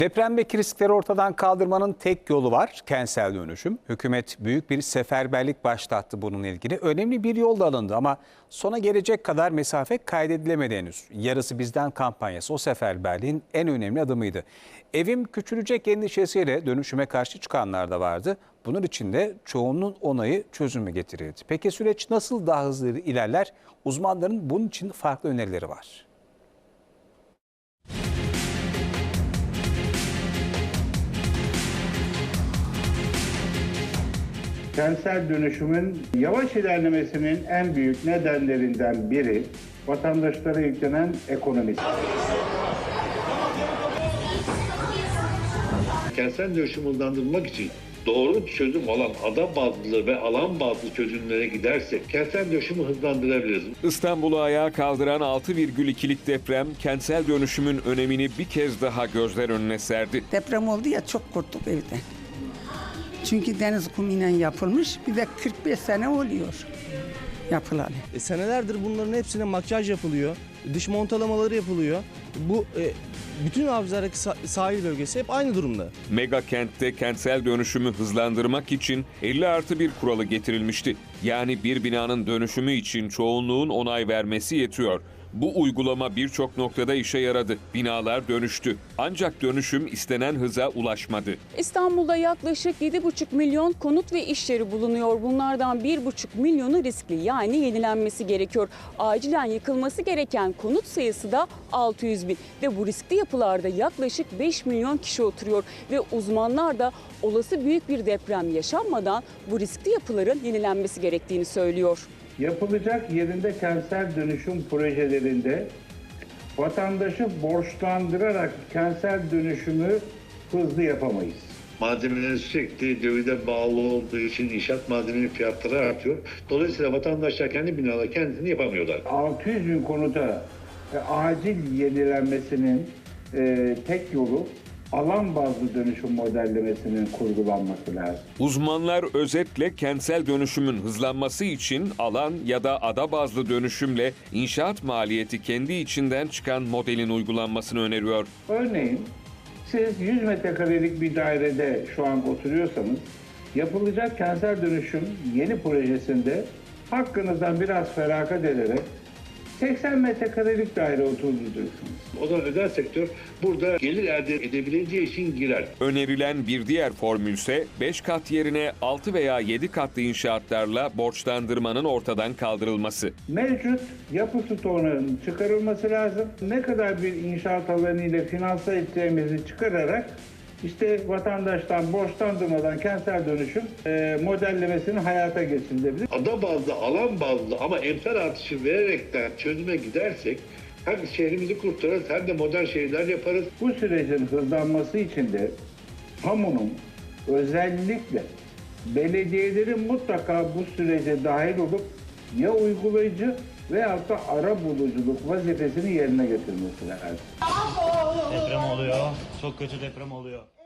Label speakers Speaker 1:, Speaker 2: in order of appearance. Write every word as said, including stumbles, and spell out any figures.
Speaker 1: Depremdeki riskleri ortadan kaldırmanın tek yolu var, kentsel dönüşüm. Hükümet büyük bir seferberlik başlattı bununla ilgili. Önemli bir yol da alındı ama sona gelecek kadar mesafe kaydedilemedi henüz. Yarısı bizden kampanyası o seferberliğin en önemli adımıydı. Evim küçülecek endişesiyle dönüşüme karşı çıkanlar da vardı. Bunun için de çoğunun onayı çözümü getirildi. Peki süreç nasıl daha hızlı ilerler? Uzmanların bunun için farklı önerileri var.
Speaker 2: Kentsel dönüşümün yavaş ilerlemesinin en büyük nedenlerinden biri vatandaşlara yüklenen ekonomisi.
Speaker 3: Kentsel dönüşümü hızlandırmak için doğru çözüm olan ada bazlı ve alan bazlı çözümlere gidersek kentsel dönüşümü hızlandırabiliriz.
Speaker 4: İstanbul'u ayağa kaldıran altı virgül ikilik deprem kentsel dönüşümün önemini bir kez daha gözler önüne serdi.
Speaker 5: Deprem oldu ya, çok korktuk evde. Çünkü deniz kumuyla yapılmış, bir de kırk beş sene oluyor yapılalı.
Speaker 6: E, senelerdir bunların hepsine makyaj yapılıyor, dış montalamaları yapılıyor. Bu e, bütün Avcılar'daki sahil bölgesi hep aynı durumda.
Speaker 4: Mega kentte kentsel dönüşümü hızlandırmak için elli artı bir kuralı getirilmişti. Yani bir binanın dönüşümü için çoğunluğun onay vermesi yetiyor. Bu uygulama birçok noktada işe yaradı. Binalar dönüştü. Ancak dönüşüm istenen hıza ulaşmadı.
Speaker 7: İstanbul'da yaklaşık yedi buçuk milyon konut ve iş yeri bulunuyor. Bunlardan bir buçuk milyonu riskli, yani yenilenmesi gerekiyor. Acilen yıkılması gereken konut sayısı da altı yüz bin. Ve bu riskli yapılarda yaklaşık beş milyon kişi oturuyor. Ve uzmanlar da olası büyük bir deprem yaşanmadan bu riskli yapıların yenilenmesi gerektiğini söylüyor.
Speaker 2: Yapılacak yerinde kentsel dönüşüm projelerinde vatandaşı borçlandırarak kentsel dönüşümü hızlı yapamayız.
Speaker 3: Malzemelerin sürekli dövide bağlı olduğu için inşaat malzemeleri fiyatları artıyor. Dolayısıyla vatandaşlar kendi binaları kendisini yapamıyorlar.
Speaker 2: altı yüz bin konuta e, acil yenilenmesinin e, tek yolu alan bazlı dönüşüm modellemesinin kurgulanması lazım.
Speaker 4: Uzmanlar özetle kentsel dönüşümün hızlanması için alan ya da ada bazlı dönüşümle inşaat maliyeti kendi içinden çıkan modelin uygulanmasını öneriyor.
Speaker 2: Örneğin siz yüz metrekarelik bir dairede şu an oturuyorsanız yapılacak kentsel dönüşüm yeni projesinde hakkınızdan biraz feragat ederek seksen metrekarelik daire oturacaksınız.
Speaker 3: O zaman özel sektör burada gelir elde edebileceği için girer.
Speaker 4: Önerilen bir diğer formülse beş kat yerine altı veya yedi katlı inşaatlarla borçlandırmanın ortadan kaldırılması.
Speaker 2: Mevcut yapı stoğunun çıkarılması lazım. Ne kadar bir inşaat alanı ile finanse edeceğimizi çıkararak işte vatandaştan borçlandırmadan kentsel dönüşüm e, modellemesini hayata geçirilebilir.
Speaker 3: Ada bazlı, alan bazlı ama emsal artışı vererekten çözüme gidersek hem şehrimizi kurtarırız hem de modern şehirler yaparız.
Speaker 2: Bu sürecin hızlanması için de kamunun özellikle belediyelerin mutlaka bu sürece dahil olup ya uygulayıcı veyahut da ara buluculuk vazifesini yerine getirmesi lazım.
Speaker 8: Deprem oluyor. Çok kötü deprem oluyor.